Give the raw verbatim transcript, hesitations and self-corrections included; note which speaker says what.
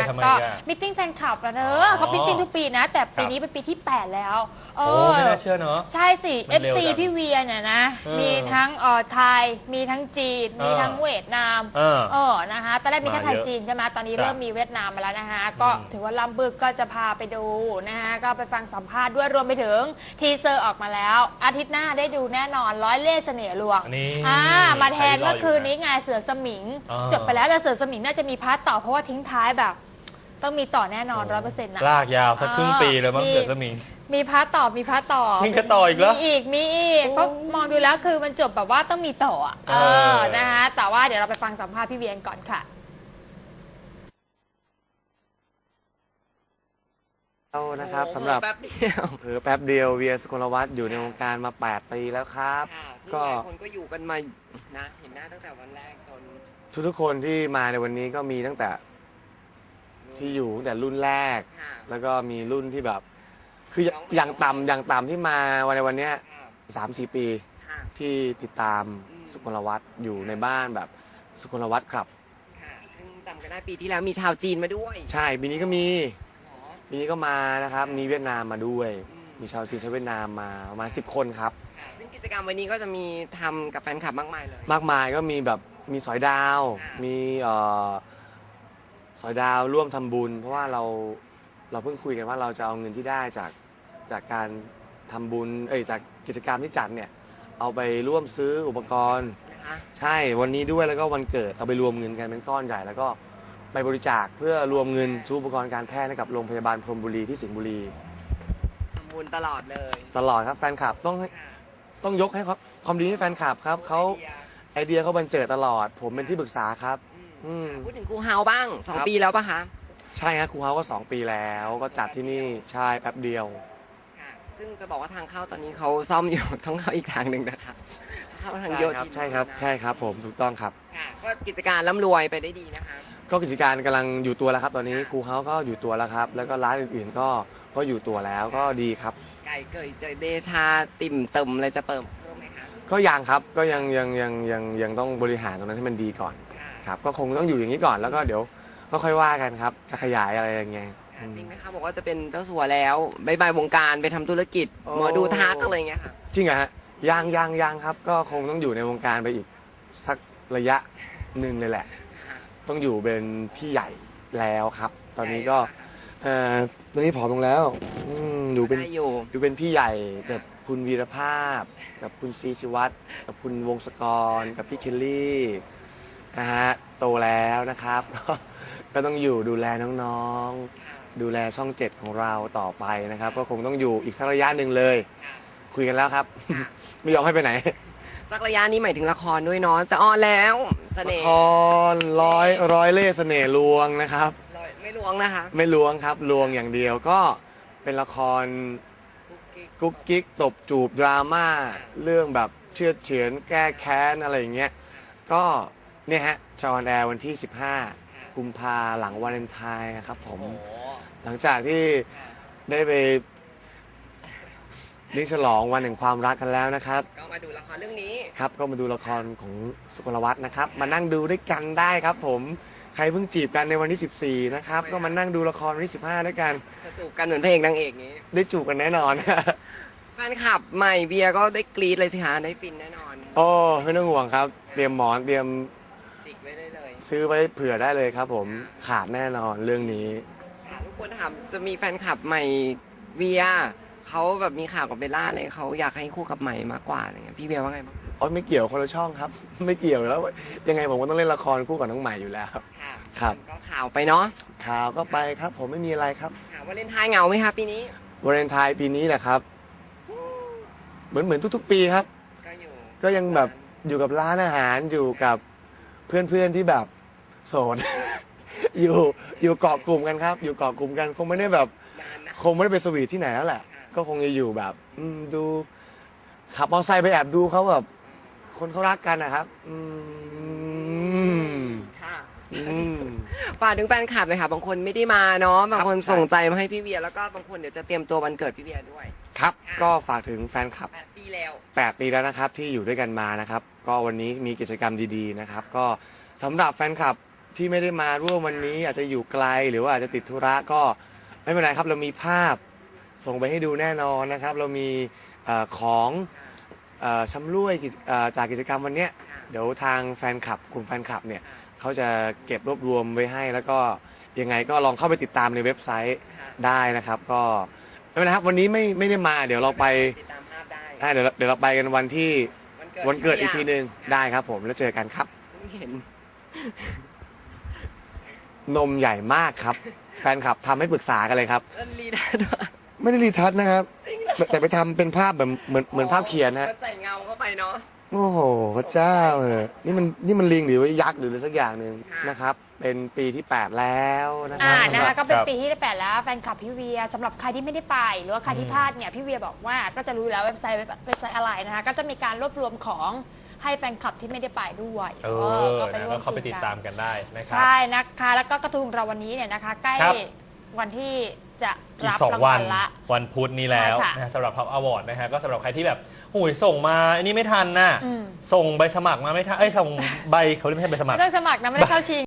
Speaker 1: ก็มิทติ้งแฟนคลับนะเธอเขามิทติ้งทุกปีนะแต่ปีนี้เป็นปีที่แปดแล้ว
Speaker 2: โอ้ไม่น่าเชื่อเนาะ
Speaker 1: ใช่สิ เอฟ ซี พี่เวียเนี่ยนะมีทั้งเอ่อไทยมีทั้งจีนมีทั้งเวียดนามเออนะคะตอนแรกมีแค่ไทยจีนใช่ไหมตอนนี้เริ่มมีเวียดนามมาแล้วนะคะก็ถือว่าล้ำบึกก็จะพาไปดูนะคะก็ไปฟังสัมภาษณ์ด้วยรวมไปถึงทีเซอร์ออกมาแล้วอาทิตย์หน้าได้ดูแน่นอนร้อยเล่ห์เสน่ห์ลวงอ่ามาแทนเมื่อคืนนี้ไงเสือสมิงจบไปแล้วแต่เสือสมิงน่าจะมีพาร์ทต่อเพราะว่าทิ้งท้ายแบบต้องมีต่อแน่นอนร้อยเปอร์เซ็นต์นะ
Speaker 2: ลากยาวสักครึ่งปีเลยมั้งเสือสมิง
Speaker 1: มีพาร์ทต่อมีพาร์ทต่อ
Speaker 2: มีกระต่ออีกแล้ว
Speaker 1: มีอีกมีอีกเพราะมองดูแล้วคือมันจบแบบว่าต้องมีต่อเออนะคะแต่ว่าเดี๋ยวเราไปฟังสัมภาษณ์พี่เวียนก่อนค่ะ
Speaker 3: นะครับสำหรับแป๊บเดียวเออแป๊บเดียวเวียสุกลวัฒน์อยู่ในวงการมาแปดปีแล้วครับ
Speaker 4: ก็คนก็อยู่กันมานะเห็นหน้าตั้งแต่วันแรกจน
Speaker 3: ทุกทุกคนที่มาในวันนี้ก็มีตั้งแต่ที่อยู่ตั้งแต่รุ่นแรกแล้วก็มีรุ่นที่แบบคืออย่างต่ำอย่างต่ำที่มาวันในวันนี้สามสี่ปีที่ติดตามสุกลวัฒน์อยู่ในบ้านแบบสุกลวัฒน์ครับ
Speaker 4: ซึ่งจำกันได้ปีที่แล้วมีชาวจีนมาด้วย
Speaker 3: ใช่ปีนี้ก็มีปีนี้ก็มานะครับมีเวียดนามมาด้วยมีชาวจีนชาวเวียดนามมาประมาณสิบคนครับ
Speaker 4: ซึ่งกิจกรรมวันนี้ก็จะมีทำกับแฟนคลับมากมายเลย
Speaker 3: มากมายก็มีแบบมีสอยดาวมีเอ่อสอยดาวร่วมทำบุญเพราะว่าเราเราเพิ่งคุยกันว่าเราจะเอาเงินที่ได้จากจากการทำบุญเอ้ยจากกิจกรรมที่จัดเนี่ยเอาไปร่วมซื้ออุปกรณ์ใช่วันนี้ด้วยแล้วก็วันเกิดเอาไปรวมเงินกันเป็นก้อนใหญ่แล้วก็ไปบริจาคเพื่อรวมเงินซื้ออุปกรณ์การแพทย์ให้กับโรงพยาบาลพรหมบุรีที่สิงห์บุรี
Speaker 4: ทำบุญตลอดเลย
Speaker 3: ตลอดครับแฟนคลับต้องต้องยกให้ความดีให้แฟนคลับครับเขาไอเดียเขาบันเจิดตลอดผมเป็นที่ปรึกษาครับ
Speaker 4: พูดถึงครูเฮาบ้างสองปีแล้วปะคะ
Speaker 3: ใช่ครับครูเฮาก็สองปีแล้วก็จัดที่นี่ใช่แป๊บเดียว
Speaker 4: ซึ่งจะบอกว่าทางเข้าตอนนี้เขาซ่อมอยู่ต้องเข้าอีกทางหนึ่งนะคะเข้าทางโยธิน
Speaker 3: ใช่ครับใช่ครับผมถูกต้องครับ
Speaker 4: ก็กิจการร่ำรวยไปได้ดีนะคะ
Speaker 3: ก็กิจการกำลังอยู่ตัวแล้วครับตอนนี้ครูเฮาก็อยู่ตัวแล้วครับแล้วก็ร้านอื่นๆก็ก็อยู่ตัวแล้วก็ดีครับ
Speaker 4: ไก่เกยเจเดชาติ่มเติมอะไรจะเปิดเพิ่มไหมคะ
Speaker 3: ก็ยังครับก็ยังยังยังยังยังต้องบริหารตรงนั้นให้มันดีก่อนครับก็คงต้องอยู่อย่างนี้ก่อนแล้วก็เดี๋ยวก็ค่อยว่ากันครับจะขยายอะไรอย่างเงี้ย
Speaker 4: จริงไหมคะบอกว่าจะเป็นเจ้าสัวแล้วบายบายวงการไปทำธุรกิจหมอดูทักอะไรเงี้ยค่ะ
Speaker 3: จริงเหรอฮะยังยังยังครับก็คงต้องอยู่ในวงการไปอีกสักระยะหนึ่งเลยแหละต้องอยู่เป็นพี่ใหญ่แล้วครับตอนนี้ก็เอ่อตอนนี้ผอมลงแล้วอยู่เป็นอยู่เป็นพี่ใหญ่กับคุณวีรภาพกับคุณซีชิวัตรกับคุณวงศกรกับพี่เคลลี่นะฮะโตแล้วนะครับก็ต้องอยู่ดูแลน้องๆดูแลช่องเจ็ดของเราต่อไปนะครับก็คงต้องอยู่อีกสักระยะหนึ่งเลยคุยกันแล้วครับไม่ยอมให้ไปไหน
Speaker 4: สักระยะนี้หมายถึงละครด้วยเนาะจะออนแล้วเสน่ห์
Speaker 3: ละครร้อยร้อยเล่ห์เสน่ห์ลวงนะครับ
Speaker 4: ไม่ลวงนะคะ
Speaker 3: ไม่ลวงครับลวงอย่างเดียวก็เป็นละครกุ๊กกิ๊กตบจูบดราม่าเรื่องแบบเชื่อเฉือนแก้แค้นอะไรอย่างเงี้ยก็เนี่ยฮะจออนแอร์วันที่สิบห้ากุมภาหลังวาเลนไทน์นะครับผมหลังจากที่ได้ไปเลี้ยงฉลองวันแห่งความรักกันแล้วนะครับ
Speaker 4: ก็มาดูละครเรื่องนี้
Speaker 3: ครับก็มาดูละครของสุกลวัฒน์นะครับมานั่งดูด้วยกันได้ครับผมใครเพิ่งจีบกันในวันที่สิบสี่นะครับก็มานั่งดูละครวันที่สิบห้าด้วยกัน
Speaker 4: จะจูบกันเหมือนพระเอกนางเอกนี้
Speaker 3: ได้จูบกันแน่นอน
Speaker 4: แฟนคลับใหม่เบียร์ก็ได้กรี๊ดเลยสิคะได้ฟินแน่นอน
Speaker 3: โอ้ไม่ต้องห่วงครับเตรียมหมอนเตรียม
Speaker 4: จิกไว้ได้เลย
Speaker 3: ซื้อไว้เผื่อได้เลยครับผมขาดแน่นอนเรื่องนี้
Speaker 4: ทุกคนถามจะมีแฟนคลับใหม่เบียร์เขาแบบมีข่าวกับเบลล่าเลยเขาอยากให้คู่กับใหม่มากกว่าอะไรเงี้ยพี่เบียร์ว่าไงบ้าง
Speaker 3: อ๋อไม่เกี่ยวคนละช่องครับไม่เกี่ยวแล้วยังไงผมก็ต้องเล่นละครคู่กับน้องใหม่อยู่แล้วครับ
Speaker 4: ก็ข่าวไปเนาะ
Speaker 3: ข่าวก็ไปครับผมไม่มีอะไรครับ
Speaker 4: วาเลนไทน์เหงาไหมครับปีนี้
Speaker 3: วาเลนไทน์ปีนี้แหละครับเหมือนเหมือนทุกๆปีครับก็อยู่ก็ยังแบบอยู่กับร้านอาหารอยู่กับเพื่อนๆที่แบบโสดอยู่อยู่เกาะกลุ่มกันครับอยู่เกาะกลุ่มกันคงไม่ได้แบบคงไม่ได้ไปสวีทที่ไหนแล้วแหละก็คงจะอยู่แบบดูขับมอเตอร์ไซค์ไปแอบดูเขาแบบคนเขารักกันนะครับ
Speaker 4: ค่ะฝากถึงแฟนคลับเลยค่ะบางคนไม่ได้มาเนาะบางคนส่งใจมาให้พี่เบียร์แล้วก็บางคนเดี๋ยวจะเตรียมตัววันเกิดพี่เบียร์ด้วย
Speaker 3: ครับก็ฝากถึงแฟนคลับ
Speaker 4: แปดปีแล้ว
Speaker 3: แปดปีแล้วนะครับที่อยู่ด้วยกันมานะครับก็วันนี้มีกิจกรรมดีๆนะครับก็สำหรับแฟนคลับที่ไม่ได้มาร่วมวันนี้อาจจะอยู่ไกลหรือว่าอาจจะติดธุระก็ไม่เป็นไรครับเรามีภาพส่งไปให้ดูแน่นอนนะครับ เรามีเออของเออชำร่วยกิจเอ่อจากกิจกรรมวันเนี้ยเดี๋ยวทางแฟนคลับกลุ่มแฟนคลับเนี่ยเขาจะเก็บรวบรวมไว้ให้ แล้วก็ยังไงก็ลองเข้าไปติดตามในเว็บไซต์ได้นะครับก็ไม่เป็นไรครับวันนี้ไม่ไม่ได้มาเดี๋ยวเราไป
Speaker 4: ติดตามภาพได้
Speaker 3: ได้เดี๋ยวเราเดี๋ยวเราไปกันวันที่
Speaker 4: วันเกิด
Speaker 3: วันเกิดอีกที
Speaker 4: พี่
Speaker 3: หนึ่งได้ครับผมแล้วเจอกันครับ
Speaker 4: เพิ่งเห็น
Speaker 3: นมใหญ่มากครับ แฟนคลับทำให้ปรึกษากันเลยครับ
Speaker 4: เล่นลีดาด้วย
Speaker 3: ไม่ได้รีทัชนะครับ แต่ไปทำเป็นภาพแบบเหมือนเหมือนภาพเขียนฮะ
Speaker 4: ก็ใส่เงาเข้าไปเนาะ
Speaker 3: โอ้โหพระเจ้าเออนี่มันนี่มันลิงหรือว่ายักษ์หรืออะไรสักอย่างหนึ่ง
Speaker 4: ค่ะ
Speaker 3: นะครับ เป็นปีที่แปดแล้วนะครั
Speaker 1: อ่า
Speaker 3: บ
Speaker 1: นะคะก็เป็น
Speaker 2: ครับ
Speaker 1: ปีที่แปดแล้วแฟนคลับพี่เวียสำหรับใครที่ไม่ได้ไปหรือว่าใครที่พลาดเนี่ยพี่เวียบอกว่าก็จะรู้แล้วเว็บไซต์เว็บเว็บไซต์อะไรนะคะก็จะมีการรวบรวมของให้แฟนคลับที่ไม่ได้ไปด้วย
Speaker 2: เอ
Speaker 1: เอ
Speaker 2: อ
Speaker 1: อก็ไป
Speaker 2: นะ
Speaker 1: ร่ว
Speaker 2: ก็
Speaker 1: ม
Speaker 2: เข้าไป
Speaker 1: ชิ
Speaker 2: ติ
Speaker 1: ง
Speaker 2: ด
Speaker 1: กั
Speaker 2: ตาน มกันได้นะครับ
Speaker 1: ใช่นะคะแล้วก็กระทู้ของเราวันนี้เนี่ยนะคะใกล้
Speaker 2: ครับ
Speaker 1: วันที่จะ
Speaker 2: อีก
Speaker 1: รับ
Speaker 2: สอง
Speaker 1: ราง
Speaker 2: วั
Speaker 1: วัน ลละ
Speaker 2: วันพุธนี้แล้ว
Speaker 1: ใช่ค่ะ
Speaker 2: นะฮะสำหรับท็อปอวอร์ดนะฮะก็สำหรับใครที่แบบหูยส่งมาอันนี้ไม่ทันน่ะ
Speaker 1: อืม
Speaker 2: ส่งใบสมัครมาไม่ทันเอ้ยส่งใบเขาเรียกไม่ใช่ใบสมัคร
Speaker 1: ไม่ต้องสมัครนะไม่ได้เข้าชิง